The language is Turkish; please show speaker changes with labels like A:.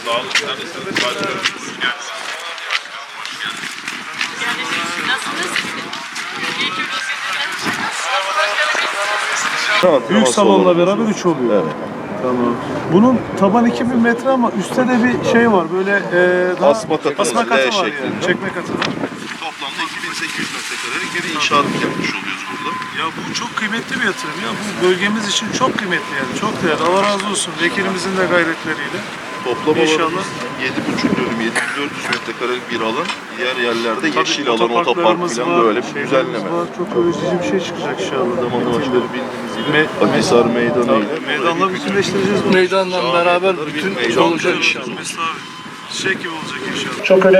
A: Sağ olun. Sen de hoş geldiniz.
B: Nasılsınız?
C: Büyük salonla beraber 3 oluyor.
D: Evet.
C: Tamam. Bunun taban 2000 metre ama üstte de bir şey var. Böyle daha
D: Asma katı
C: asma
D: var,
C: katı
D: L
C: var yani.
D: şeklinde.
C: Çekme katı var.
D: Toplamda 2800 metrekarelik bir inşaat yapmış oluyoruz burada.
C: Ya bu çok kıymetli bir yatırım ya. Bu bölgemiz için çok kıymetli yani. Çok değerli. Allah razı olsun. Vekilimizin de gayretleriyle.
D: Toplam
C: İnşallah.
D: alanımız 7,5 dönüm, 7400 metrekarelik bir alan. Diğer yerlerde yeşil alan, otopark
C: Otoparklarımız
D: falan
C: var,
D: böyle bir
C: şeylerimiz
D: düzenleme.
C: var. Çok öğretici bir şey çıkacak inşallah.
D: Zamanlaşları bildiğiniz gibi Akhisar Meydanı ile
C: Meydanla bütünleştireceğiz bunu.
E: Meydanla beraber bütün olacak inşallah.
C: Mesut abi. Çiçek gibi olacak inşallah.
E: Çok önemli.